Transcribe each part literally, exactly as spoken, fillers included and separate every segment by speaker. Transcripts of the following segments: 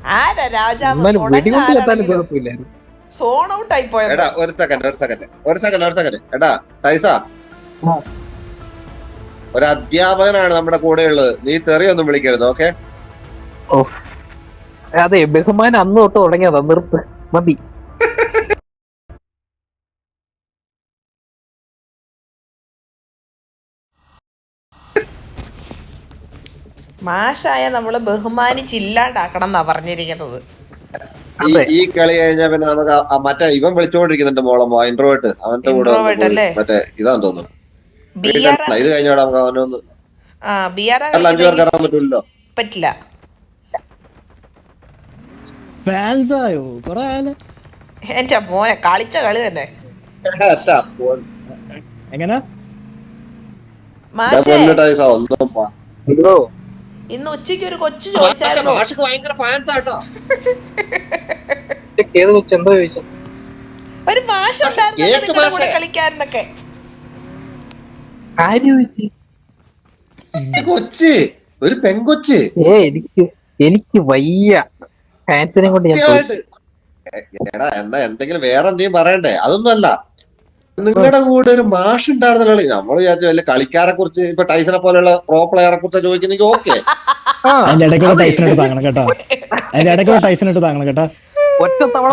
Speaker 1: ആരാ രാജാവ്?
Speaker 2: എന്നാലും
Speaker 1: തുടങ്ങ
Speaker 2: വെടികൊണ്ട് ചെത്താനും
Speaker 1: ആരാണെങ്കിലും
Speaker 2: കുഴപ്പമില്ലായിരുന്നു.
Speaker 1: സോൺ ഔട്ട് ആയി പോയത്.
Speaker 3: എടാ ഒരു സെക്കൻഡ് ഒരു സെക്കൻഡ് ഒരു സെക്കൻഡ് ഒരു സെക്കൻഡ് എടാ ടൈസ, ഒരു അധ്യാപകനാണ് നമ്മുടെ കൂടെ ഉള്ളത്, നീ തെറിയൊന്നും വിളിക്കരുത്, ഓക്കെ?
Speaker 2: ഓ അതെ, ബഹുമാനം അന്ന് തൊട്ട് തുടങ്ങിയതാ, നിർത്ത് മതി.
Speaker 1: മാഷായ നമ്മള് ബഹുമാനിച്ചില്ലാണ്ടാക്കണം എന്നാ പറഞ്ഞിരിക്കുന്നത്.
Speaker 3: ഈ കളി കഴിഞ്ഞാൽ പിന്നെ നമുക്ക് മറ്റേ ഇവൻ വിളിച്ചോണ്ടിരിക്കുന്നുണ്ട് മോളമ്മോ, ഇൻട്രോവേർട്ട്, അവന്റെ കൂടെ മറ്റേ ഇതാന്ന് തോന്നുന്നു. ഇത് കഴിഞ്ഞോടെ നമുക്ക് അവനൊന്ന് അഞ്ചു പേർക്ക് ഇറങ്ങാൻ പറ്റൂല്ലോ.
Speaker 1: പറ്റില്ല. എന്റെ മോനെ കളിച്ച കളി തന്നെ.
Speaker 4: എങ്ങനെ
Speaker 1: ഇന്ന് ഉച്ചക്ക് ഒരു കൊച്ചു ചോദിച്ചായിരുന്നു, ഒരു മാഷ് ഉണ്ടായിരുന്നു കൂടെ കളിക്കാരനൊക്കെ.
Speaker 3: കൊച്ച്, ഒരു പെങ്കൊച്ച്.
Speaker 2: ഏ എനിക്ക് എനിക്ക് വയ്യ ഫാൻസിനെ കൊണ്ട്.
Speaker 3: എടാ എന്നാ എന്തെങ്കിലും വേറെ എന്തെങ്കിലും പറയണ്ടേ? അതൊന്നും അല്ല, നിങ്ങളുടെ കൂടെ ഒരു മാഷ് ഉണ്ടായിരുന്ന കളി. നമ്മൾ വിചാരിച്ചു വല്ല കളിക്കാരെ കുറിച്ച്, ഇപ്പൊ ടൈസനെ പോലെയുള്ള പ്രോ പ്ലെയറെ കുറിച്ച് ചോദിക്കുന്നെങ്കിൽ ഓക്കെ.
Speaker 4: അതിന്റെ ഇടയ്ക്കൂടെ ടൈസണിട്ട് താങ്ങണം കേട്ടോ, അതിന്റെ ഇടയ്ക്കൂടെ ടൈസണിട്ട് താങ്ങണം കേട്ടോ.
Speaker 2: ഒറ്റ തവണ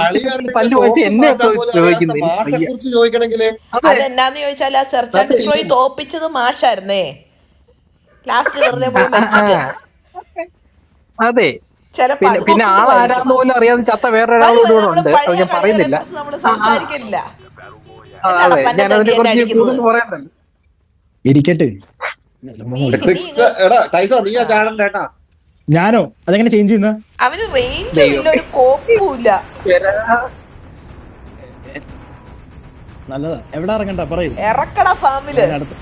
Speaker 3: കുറിച്ച് ചോദിക്കണെങ്കില്
Speaker 1: അതെന്നാന്ന് ചോദിച്ചാൽ ആ സെർച്ച് ആൻഡ് ഡിസ്ട്രോയ് തോപ്പിച്ചത് മാഷായിരുന്നേ. ലാസ്റ്റ് വെറുതെ പോയി മരിച്ചിട്ട്.
Speaker 2: അതെ, പിന്നെ ആളാരാന്ന് പോലും അറിയാതെ ചത്ത വേറൊരാൾ കൂടെ ഉണ്ട്, അത് ഞാൻ പറയുന്നില്ല.
Speaker 1: നമ്മള് സംസാരിക്കില്ല.
Speaker 2: അതെ, ഞാൻ അതിനെ കുറിച്ച് കൂടുതൽ പറയാനല്ല.
Speaker 4: ഇരിക്കട്ടെ. ഞാനോ അതെങ്ങനെ ചേഞ്ച് ചെയ്യുന്ന?
Speaker 1: അവന് റേഞ്ച് ഇല്ല, ഒരു കോപ്പുമില്ല.
Speaker 4: നല്ലതാ. എവിടെ ഇറങ്ങണ്ട പറയൂ.
Speaker 1: ഇറക്കട ഫാമില്.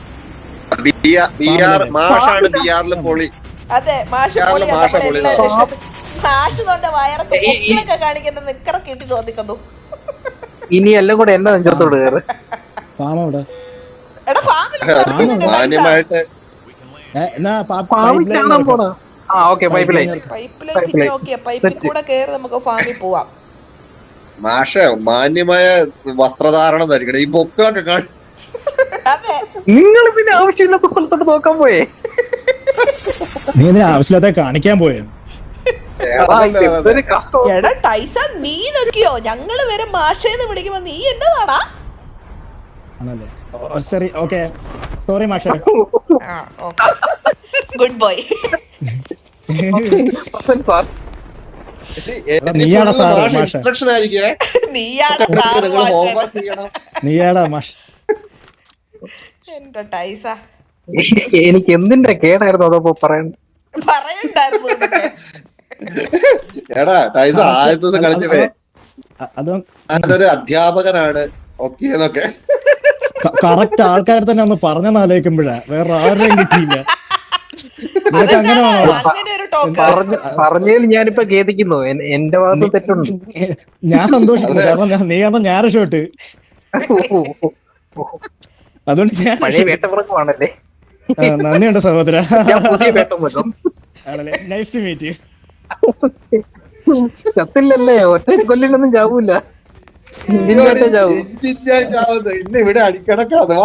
Speaker 1: അതെ, മാഷ് പൊളി. മാഷ് തൊണ്ട വയറൊക്കെ പൊക്കിളൊക്കെ കാണിക്കുന്ന നിക്കറൊക്കെ ഇട്ട് ചോദിക്കുന്നു.
Speaker 2: ഇനി എല്ലാം കൂടെ എന്നെ നെഞ്ചത്തോട് കയറ്.
Speaker 1: എടാ ഫാമില് പൈപ്പിലേക്ക് നോക്കിയ പൈപ്പിൽ കൂടെ കയറി നമുക്ക് ഫാമിൽ പോവാം.
Speaker 3: മാഷെ മാന്യമായ വസ്ത്രധാരണം ധരിക്കണം, ഈ പൊക്കളൊക്കെ കാണി.
Speaker 2: നിങ്ങൾ പിന്നെ ആവശ്യമില്ലാത്ത സ്ഥലത്തോട്ട് നോക്കാൻ പോയേ.
Speaker 4: നീ ഇതിന് ആവശ്യമില്ലാത്ത കാണിക്കാൻ പോയോ?
Speaker 1: എടാ ടൈസ, നീ നോക്കിയോ? ഞങ്ങള് വരെ മാഷേന്ന് വിളിക്കുമ്പോ നീ എന്നതാടാ?
Speaker 4: സോറി മാഷ.
Speaker 1: Good boy.
Speaker 4: നീയാടാ സാർ മാഷ. നീയാടാ മാഷ്.
Speaker 1: എന്റെ ടൈസ,
Speaker 2: എനിക്ക് എന്തിന്റെ കേടായിരുന്നു അതപ്പോ പറയണ്ട
Speaker 1: പറയണ്ടായിരുന്നു.
Speaker 3: എടാ ടൈസ ആദ്യത്തെ കളിച്ചേ അതൊരു അധ്യാപകനാണ് ഓക്കെ എന്നൊക്കെ
Speaker 4: കറക്റ്റ് ആൾക്കാരെ തന്നെ ഒന്ന് പറഞ്ഞെന്ന് ആലോചിക്കുമ്പോഴാ വേറെ ആരുടെയും കിട്ടിയില്ല.
Speaker 2: പറഞ്ഞതിൽ ഞാനിപ്പോ ഖേദിക്കുന്നു, എന്റെ ഭാഗത്ത് തെറ്റുണ്ട്.
Speaker 4: ഞാൻ സന്തോഷിക്കുന്നു, കാരണം നീ കാരണം ഞാൻ രക്ഷോട്ട്. അതുകൊണ്ട് ഞാൻ
Speaker 2: വേട്ടപ്പുറക്കുവാണല്ലേ.
Speaker 4: നന്ദിയുണ്ട് സഹോദര. Nice to meet you.
Speaker 2: ചത്തില്ലല്ലേ, ഒറ്റ കൊല്ലിലൊന്നും ചാവൂല.
Speaker 3: ഇന്ന് ഇവിടെ അടിക്കണക്കാ.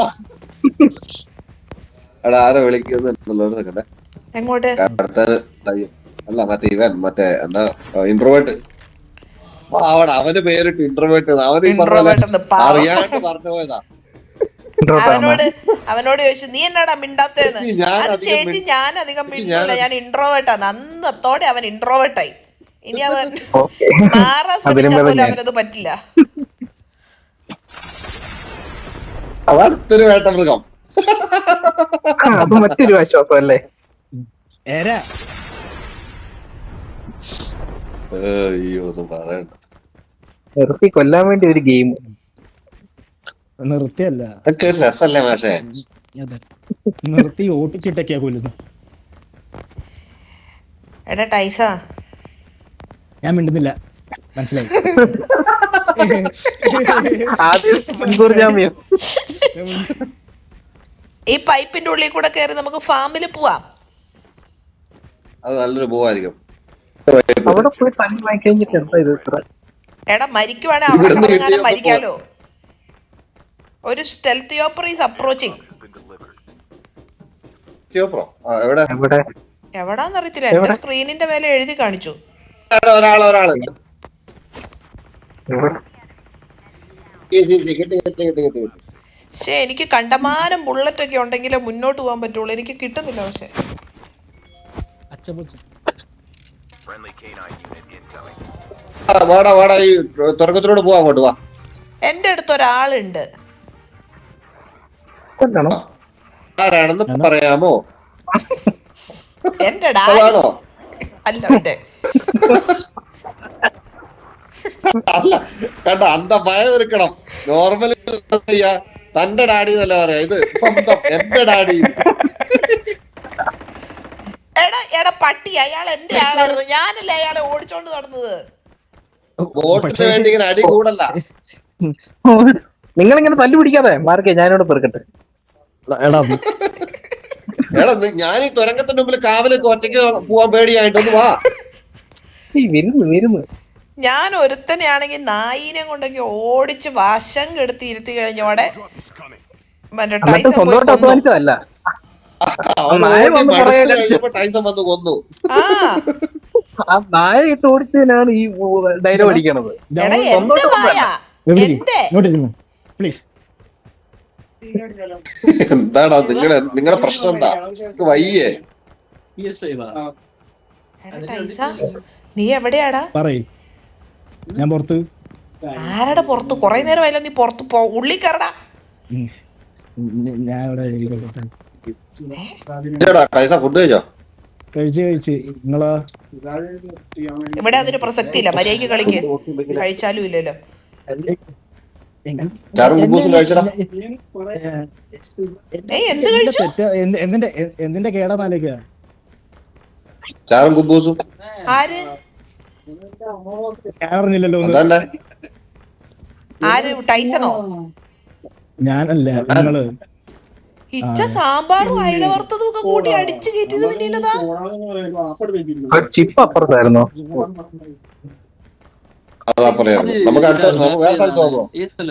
Speaker 3: എടാ ആരോ വിളിക്കുന്നുണ്ടല്ലോ.
Speaker 1: എങ്ങോട്ട്?
Speaker 3: അല്ല മറ്റേ ഇവൻ മറ്റേ എന്താ ഇൻട്രോവേർട്ട്. അവിടെ അവന് പേരിട്ട് ഇൻട്രോവേർട്ട്. അവന് അറിയാണ്ട് പറഞ്ഞു പോയതാ.
Speaker 1: അവനോട് അവനോട് ചോദിച്ചു നീ എന്നാടാ മിണ്ടാത്തേന്ന്. ചേച്ചി ഞാൻ അധികം മിണ്ടൂല, ഞാൻ ഇൻട്രോവേർട്ടാണ്. അന്നത്തോടെ അവൻ ഇൻട്രോവേർട്ടായി. ഇനി അവൻ മാറാൻ ശ്രമിച്ചാൽ പോലും അവനത് പറ്റില്ല.
Speaker 3: അതൊരു വേട്ടമൃഗം.
Speaker 2: അത് മറ്റൊരു ആശ്വാസം അല്ലേ.
Speaker 3: അയ്യോ ഒന്നും പറയണ്ട.
Speaker 2: നിർത്തി കൊല്ലാൻ വേണ്ടി ഒരു ഗെയിം.
Speaker 4: നിർത്തിയല്ല,
Speaker 3: രസല്ലേ മാഷേ?
Speaker 4: നിർത്തി ഓട്ടിച്ചിട്ടൊക്കെയാ കൊല്ലുന്നു.
Speaker 1: എടാ ടൈസ,
Speaker 4: ഞാൻ മിണ്ടുന്നില്ല, മനസ്സിലായി.
Speaker 1: ഈ പൈപ്പിന്റെ ഉള്ളിൽ കൂടെ കയറി നമുക്ക് ഫാമില് പോവാം.
Speaker 3: അത് നല്ലൊരു പോവായിരിക്കും.
Speaker 2: അവിടെ പോയി തല്ലി വാങ്ങി കഴിഞ്ഞിട്ട് എന്താ ഇത് ഇത്ര?
Speaker 1: എടാ മരിക്കുവാണെ അവിടെ കിടന്നാലും മരിക്കാലോ. ഒരു സ്റ്റെൽത്ത് യോപ്പർ ഈസ് അപ്രോച്ചിങ്. എവിടാന്ന് അറിയത്തില്ല, എന്റെ സ്ക്രീനിന്റെ മേലെ എഴുതി കാണിച്ചു.
Speaker 3: ഒരാള് ഒരാള്
Speaker 1: പക്ഷെ എനിക്ക് കണ്ടമാനം ബുള്ളറ്റ് ഒക്കെ ഉണ്ടെങ്കിലേ മുന്നോട്ട് പോകാൻ പറ്റുള്ളൂ. എനിക്ക് കിട്ടുന്നില്ല. പക്ഷെ
Speaker 3: വാടാ വാടാ ഈ തുറക്കത്തിലൂടെ പോവാ, അങ്ങോട്ട് വാ.
Speaker 1: എന്റെ അടുത്ത് ഒരാളുണ്ട്.
Speaker 3: ആരാണെന്ന് പറയാമോ?
Speaker 1: എന്റെ
Speaker 3: അതാണോ?
Speaker 1: അല്ല ഇതെ
Speaker 3: അല്ല കണ്ട, അന്ത ഭയം എടുക്കണം. നോർമലി തന്റെ ഡാഡി എന്നല്ല പറയാ, ഇത് സ്വന്തം എന്റെ ഡാഡി.
Speaker 1: എടാ എടാ പട്ടി, അയാൾ എന്റെ ആളായിരുന്നു. ഞാനല്ലേ അയാളെ ഓടിച്ചോണ്ട് നടന്നത്.
Speaker 3: വോട്ടിന് വേണ്ടി ഇങ്ങനെ അടി കൂടല്ല.
Speaker 2: നിങ്ങളിങ്ങനെ തല്ലു പിടിക്കാതെ മാർക്കെ, ഞാനിവിടെ പെറുക്കട്ടെ.
Speaker 3: എടാ ഞാൻ ഈ തുരങ്കത്തിന്റെ മുമ്പിൽ കാവലേക്ക് ഒറ്റയ്ക്ക് പോവാൻ പേടിയായിട്ടൊന്ന് വാ.
Speaker 2: വരുന്നു വരുന്നു.
Speaker 1: ഞാൻ ഒരുത്തനെയാണെങ്കിൽ നായിനെ കൊണ്ടൊക്കെ ഓടിച്ച് വശം കെടുത്തി ഇരുത്തി കഴിഞ്ഞോടെ മറ്റേ ടൈസൺ പോയി കൊന്നു.
Speaker 3: ടൈസൺ വന്ന് കൊന്നു.
Speaker 2: ആ നായ ഇട്ട് ഓടിച്ചതിനാണ് ഈ ഡയലോഗ് അടിക്കണത്.
Speaker 3: എന്താടാ നിങ്ങളെ നിങ്ങളുടെ പ്രശ്നം എന്താ? വയ്യേ?
Speaker 1: നീ എവിടെയാടാ?
Speaker 4: പറയ്, ഞാൻ പുറത്ത്.
Speaker 1: ആരുടെ പുറത്ത്? കൊറേ നേരം ആയില്ല നീ പുറത്ത് പോ. ഉള്ളി കയറടാ.
Speaker 4: ഞാൻ ഇവിടെ
Speaker 3: ഫുഡ് കഴിച്ചോ?
Speaker 4: കഴിച്ച് കഴിച്ച്. നിങ്ങളാ?
Speaker 1: ഇവിടെ അതിന് പ്രസക്തി ഇല്ല. മര്യാദക്ക് കളിക്ക്. കഴിച്ചാലും ഇല്ലല്ലോ.
Speaker 4: എന്തിന്റെ കേടാന്നാലേക്കാ?
Speaker 3: ചാറും കുബൂസും
Speaker 1: ആര്
Speaker 4: അറിഞ്ഞില്ലല്ലോ.
Speaker 1: ആര്? ടൈസണോ?
Speaker 4: ഞാനല്ല, നിങ്ങള്.
Speaker 1: ഇച്ച സാമ്പാറും അയില വറുത്തതും ഒക്കെ കൂട്ടി അടിച്ചു കയറ്റിയത് പിന്നീലതാ.
Speaker 2: ചിപ്പ് അപ്പുറത്തായിരുന്നോ?
Speaker 3: അതാ പറയാ. നമുക്ക് അടുത്ത നമുക്ക് വേറെ സ്ഥലത്ത് പോകാമോ?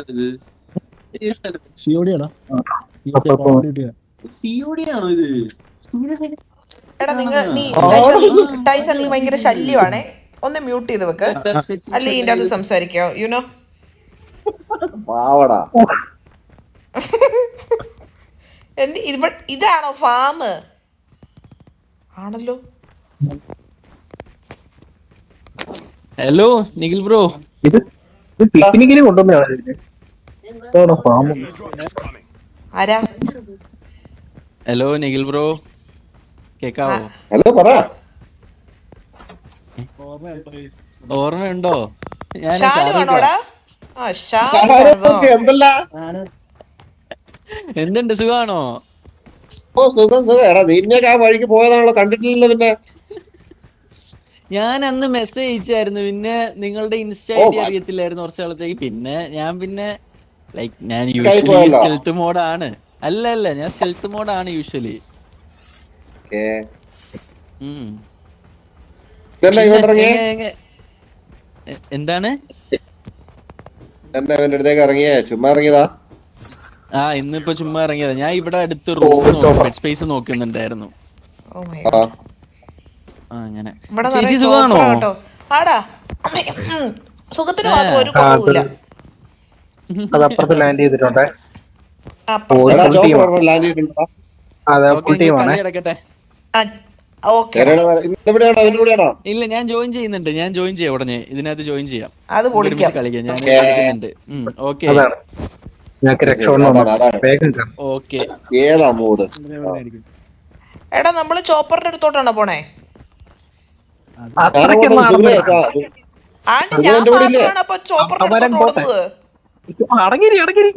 Speaker 1: എടാ നിങ്ങൾ നീ ടൈസൺ നീ ഭയങ്കര ശല്യമാണേ. ഒന്ന് മ്യൂട്ട് ചെയ്ത് വെക്ക്, അല്ലെ ഇതിന്റെ അത് സംസാരിക്കോ. യുനോ ഇതാണോ ഫാം? ആണല്ലോ.
Speaker 5: ഹലോ നിഖിൽ ബ്രോ,
Speaker 2: ഇത് പിക്നിക്കിന് കൊണ്ടുവന്നതാണ്.
Speaker 1: ആരാ?
Speaker 5: ഹലോ നിഖിൽ ബ്രോ, കേക്കാവോ?
Speaker 3: ഹലോ പറ.
Speaker 5: ഓർമ്മയുണ്ടോ? എന്തുണ്ട്, സുഖാണോ?
Speaker 3: ഓ സുഖം സുഖം. എടാ നീയൊക്കെ ആ വഴിക്ക് പോയതാണല്ലോ, കണ്ടിട്ടില്ലല്ലോ. പിന്നെ
Speaker 5: ഞാൻ അന്ന് മെസ്സേജ് അയച്ചായിരുന്നു, പിന്നെ നിങ്ങളുടെ ഇൻസ്റ്റ ഐ ഡി അറിയത്തില്ലായിരുന്നു കുറച്ച് നാളത്തേക്ക്. പിന്നെ ഞാൻ പിന്നെ ലൈക്ക് ഞാൻ യൂഷ്വലി സ്റ്റെൽത്ത് മോഡാണ്. അല്ല അല്ല ഞാൻ സ്റ്റെൽത്ത് മോഡാണ് യൂഷ്വലി. എന്താണ്
Speaker 3: ഇറങ്ങിയേ? ചുമ്മാ ഇറങ്ങിയതാ.
Speaker 5: ആ ഇന്നിപ്പോ ചുമ്മാ ഇറങ്ങിയതാ. ഞാൻ ഇവിടെ അടുത്ത് റൂം ബെഡ് സ്പേസ് നോക്കുന്നുണ്ടായിരുന്നു. അങ്ങനെ. ചേച്ചി സുഖാണോ?
Speaker 1: സുഖത്തിന് മാത്രം ഒരു കുറവുമില്ല.
Speaker 2: അതപ്പുറത്ത് ലാൻഡ് ചെയ്തിട്ടുണ്ടേ.
Speaker 5: ഇല്ല ഞാൻ ജോയിൻ ചെയ്യുന്നുണ്ട്. ഞാൻ ജോയിൻ ചെയ്യാം ഉടനെ. ഇതിനകത്ത് ജോയിൻ ചെയ്യാം, കളിക്കാം. ഞാൻ കളിക്കുന്നുണ്ട്. Okay okay.
Speaker 3: ഏതാ മൂഡ്?
Speaker 1: എടാ നമ്മള് ചോപ്പറിന്റെ അടുത്തോട്ടാണോ പോണേ? ആണ്ട് ഞാൻ മാത്രമാണ് അപ്പൊ ചോപ്പറിന്റെ അടുത്തോട്ട് ഓടുന്നത്.
Speaker 2: അടങ്ങിരി അടങ്ങിരി.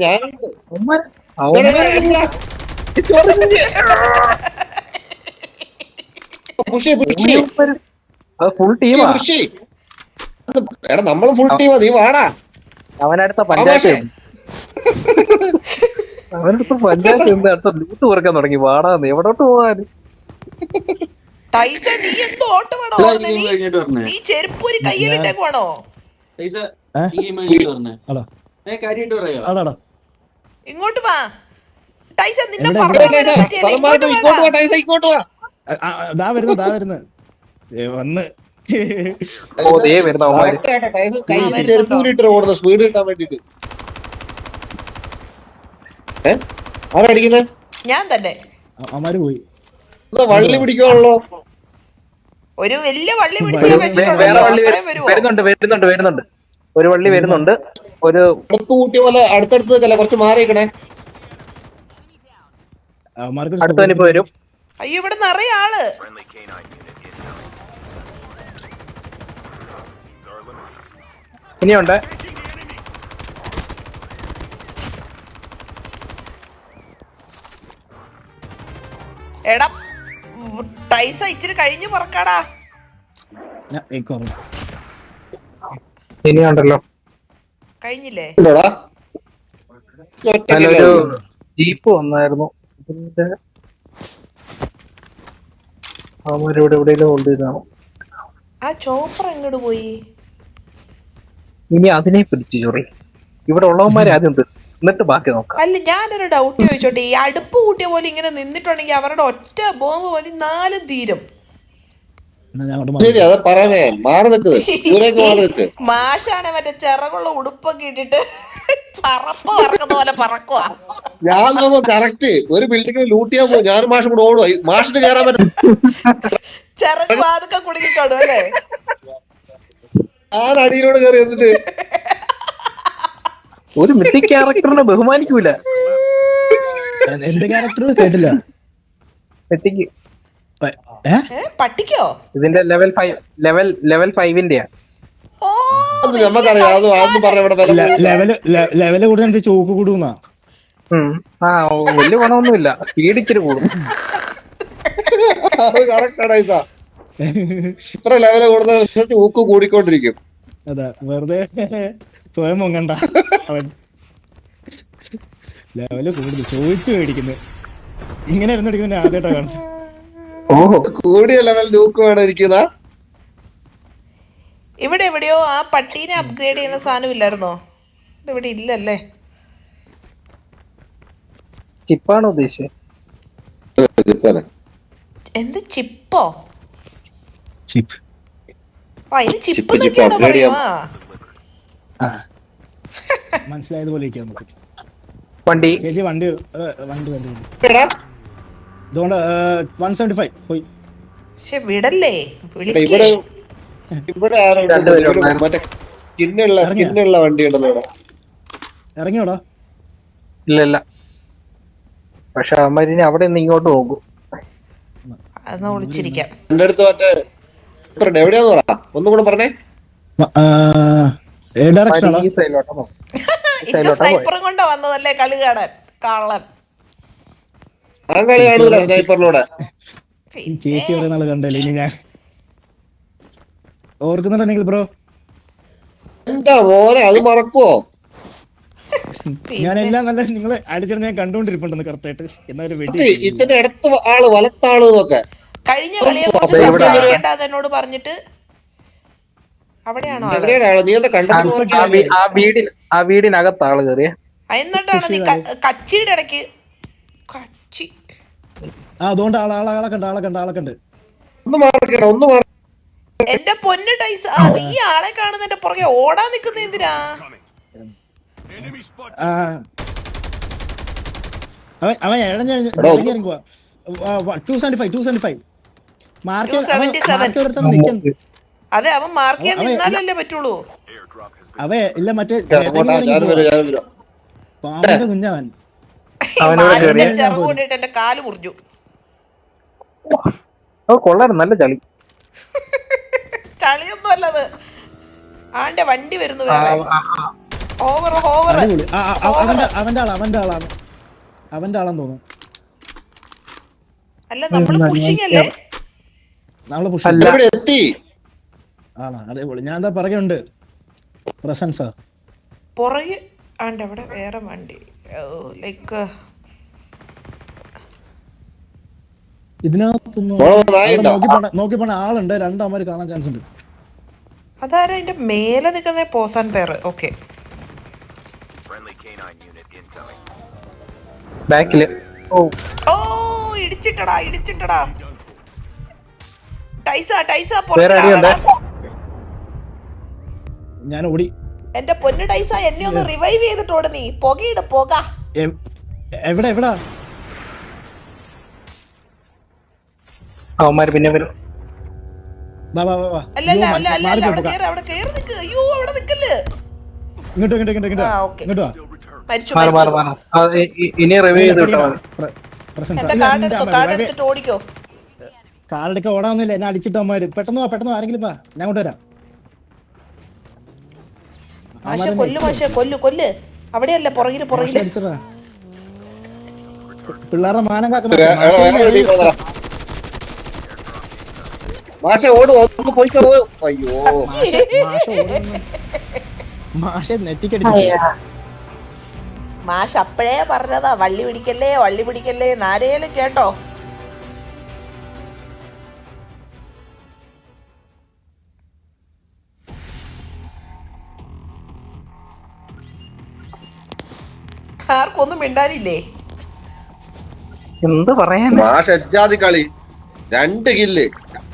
Speaker 2: ഫുൾ ടീമാ.
Speaker 3: എടാ നമ്മളും ഫുൾ ടീമാ. നീ വാടാ.
Speaker 2: അവനടുത്ത പഞ്ചായത്ത് അവനടുത്ത പഞ്ചായത്ത് അടുത്ത ലൂട്ട് കുറക്കാൻ തുടങ്ങി. വാടാ, നീ എവിടോട്ട് പോവാൻ?
Speaker 1: ടൈസ നീ എന്തോ ഓട്ടമാണോ ഓടുന്നേ? നീ നീ ചെരുപ്പൂരി കയ്യിലിട്ടേക്കുവാണോ? ഇങ്ങോട്ട് വാ ടൈസ, നിന്നെ
Speaker 4: വന്ന്
Speaker 3: സ്പീഡ് കിട്ടാൻ വേണ്ടിട്ട്. ആരടിക്കുന്നേ?
Speaker 1: ഞാൻ തന്നെ.
Speaker 4: അവന്മാര് പോയി.
Speaker 3: വള്ളി പിടിക്കുവാണല്ലോ.
Speaker 1: ഒരു വലിയ വള്ളി പിടിച്ച് വെച്ചിട്ടുണ്ടല്ലോ.
Speaker 2: വരുന്നുണ്ട് വരുന്നുണ്ട് വരുന്നുണ്ട് ഒരു വള്ളി വരുന്നുണ്ട്. ഒരു
Speaker 3: അടുത്ത് കൂട്ടിയ പോലെ അടുത്തടുത്ത് നിൽക്കല്ലേ, കുറച്ച് മാറിയിക്കണേ.
Speaker 2: അടുത്തവനിപ്പോ വരും.
Speaker 1: അയ്യോ ഇവിടെ നിറയെ ആള്.
Speaker 2: ഇനിയുണ്ട്.
Speaker 1: എടാ ടൈസ ഇച്ചിരി കഴിഞ്ഞു പറക്കാടാ.
Speaker 2: ഇനിയുണ്ടല്ലോ.
Speaker 1: കഴിഞ്ഞില്ലേ?
Speaker 2: നല്ലൊരു ജീപ്പ് വന്നായിരുന്നു. ഇതിന്റെ അവന്മാരിവിടെ എവിടെയെങ്കിലും ഹോൾഡ് ചെയ്താണോ?
Speaker 1: ആ ചോപ്പർ എങ്ങോട്ട് പോയി?
Speaker 2: ഇനി അതിനെ പിടിച്ചു ചൊറി. ഇവിടെ ഉള്ളവന്മാരെ ആദ്യം എന്നിട്ട് ബാക്കി നോക്കാം.
Speaker 1: അല്ല ഞാനൊരു ഡൗട്ട് ചോദിച്ചോട്ടെ, ഈ അടുപ്പ് കൂട്ടിയ പോലെ ഇങ്ങനെ നിന്നിട്ടുണ്ടെങ്കിൽ അവരുടെ ഒറ്റ ബോംബ് മതി നാലും തീരും. മാഷാണ് മറ്റേ ചിറകുള്ള ഉടുപ്പൊക്കെ ഇട്ടിട്ട് പറപ്പ പറക്കുന്ന പോലെ പറക്കുവാ.
Speaker 3: ഞാൻ കറക്റ്റ് ഒരു ബിൽഡിംഗ് ലൂട്ട് ചെയ്യാൻ പോകും. ഞാനും മാഷും കൂടെ ഓടുവാ. മാഷിന് കയറാൻ പറ്റും.
Speaker 1: ചിറക് വാതൊക്കെ കുടുങ്ങിക്കാണു അല്ലേ?
Speaker 3: ഞാൻ അടിയിലോട് കയറി എന്നിട്ട്
Speaker 2: ഒരു മിത്തിക് ക്യാരക്ടറിനെ ബഹുമാനിക്കൂല.
Speaker 4: എന്ത് ക്യാരക്ടർ കേട്ടില്ല?
Speaker 2: മിത്തിക്
Speaker 1: പട്ടിക്കോ?
Speaker 2: ഇതിന്റെ ലെവൽ ഫൈവ് ലെവൽ ലെവൽ ഫൈവിന്റെയാ.
Speaker 4: ലെവല് കൂടുതൽ ചോക്ക് കൂടുന്നാ.
Speaker 2: ആ വലിയ ഗുണമൊന്നുമില്ല, സ്പീഡ് ഇച്ചിരി കൂടും.
Speaker 3: ഇത്ര ലെവല് കൂടുതൽ ഊക്ക് കൂടിക്കൊണ്ടിരിക്കും.
Speaker 4: അതാ വെറുതെ സ്വയം പൊങ്ങണ്ട. അവൻ ലെവല് കൂടുതൽ ചോദിച്ചു മേടിക്കുന്നത്. ഇങ്ങനെ ഇരുന്നടിക്കുന്ന ആദ്യമായിട്ടാ കാണുന്നത്.
Speaker 3: കൂടിയ ലെവൽ ലൂക്ക് വേണം ഇരിക്കുന്ന.
Speaker 1: ഇവിടെ എവിടെയോ ആ പട്ടീനെ അപ്ഗ്രേഡ് ചെയ്യുന്ന സാധനം ഇല്ലായിരുന്നോ? ഇതിവിടെ ഇല്ലല്ലേ?
Speaker 2: ചിപ്പാണോ ഉദ്ദേശിച്ചത്?
Speaker 1: എന്ത് ചിപ്പോ?
Speaker 4: ചിപ്പ്.
Speaker 1: ആ ഇത് ചിപ്പ് എന്നൊക്കെയാണോ പറയുവാ?
Speaker 4: മനസ്സിലായതുപോലെ
Speaker 2: വണ്ടി
Speaker 4: ചേച്ചി വണ്ടി വണ്ടി വണ്ടി അതുകൊണ്ട് വൺ സെവന്റി ഫൈവ് പോയി.
Speaker 1: പക്ഷെ വിടല്ലേ
Speaker 4: ഇറങ്ങിയോടാ?
Speaker 2: ഇല്ല ഇല്ല. പക്ഷെ അവന്മാരിനി അവിടെ നിന്ന് ഇങ്ങോട്ട് നോക്കും.
Speaker 1: അതൊന്ന് വിളിച്ചിരിക്കാം.
Speaker 3: എന്റെ അടുത്ത് മറ്റേ എവിടെയാന്ന് പറ, ഒന്നും കൂടെ പറഞ്ഞേ.
Speaker 1: സ്നൈപ്പറും കൊണ്ടാ വന്നതല്ലേ കളി കാണാൻ കള്ളൻ.
Speaker 3: ആ കളി കാണൂല സ്നൈപ്പറിലൂടെ.
Speaker 4: ചേച്ചി കുറെ നാള് കണ്ടല്ലേ. ഇനി ഞാൻ ഓർക്കുന്നുണ്ടെങ്കിൽ ബ്രോ
Speaker 3: എന്താ മോനെ അത് മറക്കുവോ?
Speaker 4: ഞാനെല്ലാം നല്ല നിങ്ങളെ അടിച്ചിട്ട് ഞാൻ കണ്ടോണ്ടിരിപ്പുണ്ടെന്ന് കറക്റ്റ് ആയിട്ട്. എന്നാലും വെടി
Speaker 3: ഇതിന്റെ അടുത്ത് ആള് വലത്താള് എന്നൊക്കെ
Speaker 1: കഴിഞ്ഞ കളിയെ കുറിച്ച് സംസാരിക്കേണ്ട എന്നോട് പറഞ്ഞിട്ട് അവിടെയാണോ?
Speaker 2: ആ വീടിനകത്ത് ആള് കയറിയ
Speaker 1: എന്നിട്ടാണ് നീ കച്ചിയുടെ ഇടയ്ക്ക് കച്ചി.
Speaker 4: ആ അതുകൊണ്ട് ആളെ ആളെ കണ്ട് ആളെ കണ്ട് ആളെ കണ്ട്
Speaker 1: എന്റെ പൊന്നു ടൈസ്, നീ ആളെ കാണുന്നതിന്റെ പുറകെ ഓടാൻ നിക്കുന്ന എന്തിനാ?
Speaker 4: അവൻ അവൻ ഇഴഞ്ഞിറങ്ങി പോവാ. Two seventy five two seventy five mark.
Speaker 1: അതെ അവൻ മാർക്ക് ചെയ്യാൻ നിന്നാലല്ലേ പറ്റുള്ളൂ.
Speaker 4: അവ ഇല്ല മറ്റേ പാമ്പിന്റെ കുഞ്ഞവൻ
Speaker 1: ചെറുവ് കൊണ്ടിട്ട് എന്റെ കാല് മുറിഞ്ഞു.
Speaker 2: കൊള്ളാൻ നല്ല ചളി.
Speaker 1: ചളിയൊന്നും അല്ലത്. ആന്റെ വണ്ടി വരുന്നു വേറെ. ഓവർ ഓവർ
Speaker 4: അവന്റെ അവന്റെ ആളാ അവന്റെ ആളാണ് അവന്റെ ആളാന്ന് തോന്നുന്നു.
Speaker 1: അല്ല നമ്മള് പുഷിങ് അല്ലേ?
Speaker 4: നമ്മള് പുഷ്
Speaker 3: എത്തി.
Speaker 4: ആണോ? അടിപൊളി. ഞാൻ എന്താ പറയുണ്ട് പ്രസൻസാ
Speaker 1: പുറകെ ആണ്ട് അവിടെ വേറെ വണ്ടി ലൈക്ക്
Speaker 4: ഇതിനകത്തൊന്നും അവിടെ നോക്കി പോണ നോക്കി പോണ ആളുണ്ട്, രണ്ടമ്മര് കാണാൻ ചാൻസ് ഉണ്ട്.
Speaker 1: അതാരാ അതിന്റെ മേലെ നിൽക്കുന്ന പോസാൻ പേര്? ഓക്കെ
Speaker 2: ബാക്കില്. ഓ
Speaker 1: ഓ ഇടിച്ചിട്ടടാ ഇടിച്ചിട്ടടാ. ടൈസ ടൈസ
Speaker 2: വേറെ ആരെയുണ്ട്?
Speaker 4: ഞാൻ ഓടി.
Speaker 1: എന്റെ പൊന്നു ടൈസ, എന്നെ ഒന്ന് റിവൈവ് ചെയ്തിട്ട് ഓട് നീ. പുകയിട് പുക.
Speaker 4: എ- എവിടെ എവിടാ?
Speaker 2: അവന്മാര് പിന്നെ വരും.
Speaker 4: വാ വാ വാ വാ.
Speaker 1: അല്ല അല്ല
Speaker 4: അയ്യോ,
Speaker 1: അല്ല അല്ല
Speaker 4: മാറി
Speaker 1: അല്ല, അവിടെ
Speaker 4: പോയി,
Speaker 1: കേറ് അവിടെ കേറി നിക്ക്. അയ്യോ അവിടെ നിക്കല്ലേ.
Speaker 4: ഇങ്ങോട്ട് ഇങ്ങോട്ട് ഇങ്ങോട്ട് ഇങ്ങോട്ട്
Speaker 1: ആ
Speaker 4: വാ.
Speaker 1: ഓക്കെ
Speaker 4: ഇങ്ങോട്ട് വാ.
Speaker 1: മരിച്ചു
Speaker 2: മാറി മാറി
Speaker 1: മരിച്ചു.
Speaker 2: മാറി. ആ, ഇ- ഇ- ഇനി റിവ്യൂ ചെയ്ത് വിട്ടാ മതി.
Speaker 4: പ്ര- പ്രസൻസ്.
Speaker 1: എന്റെ
Speaker 4: ഇല്ല,
Speaker 1: കാർഡ്
Speaker 4: ഇല്ല,
Speaker 1: എടുത്തോ,
Speaker 4: മതി,
Speaker 1: കാർഡ്
Speaker 4: മതി.
Speaker 1: എടുത്തിട്ട് ഓടിക്കോ.
Speaker 4: കാർഡെടുക്കാൻ ഓടാന്നില്ല, എന്നെ അടിച്ചിട്ട് അമ്മമാര്. പെട്ടെന്ന് വാ പെട്ടെന്ന് വാ, ആരെങ്കിലും വാ, ഞാൻ കൊണ്ടുവരാം.
Speaker 1: മാഷെ കൊല്ലു മാഷെ കൊല്ലു കൊല്ല്. അവിടെയല്ല പുറകില് പുറകില്.
Speaker 4: അടിച്ചതാ. പിള്ളേരുടെ മാനം കാക്കുന്ന
Speaker 3: വേ- വേറെ വേറെ ഒരു team വന്നെടാ. മാഷെ ഓട് ഒന്ന് പോയിക്കോ. അയ്യോ
Speaker 4: മാഷെ നെറ്റിക്കടിച്ചു.
Speaker 1: മാഷ് അപ്പഴേ പറഞ്ഞതാ വള്ളി പിടിക്കല്ലേ വള്ളി പിടിക്കല്ലേ. നാരേലും കേട്ടോ. ആർക്കൊന്നും മിണ്ടാനില്ലേ?
Speaker 2: എന്ത് പറയാൻ?
Speaker 3: മാഷ് എജ്ജാതി കളി, രണ്ട് കില്ല്.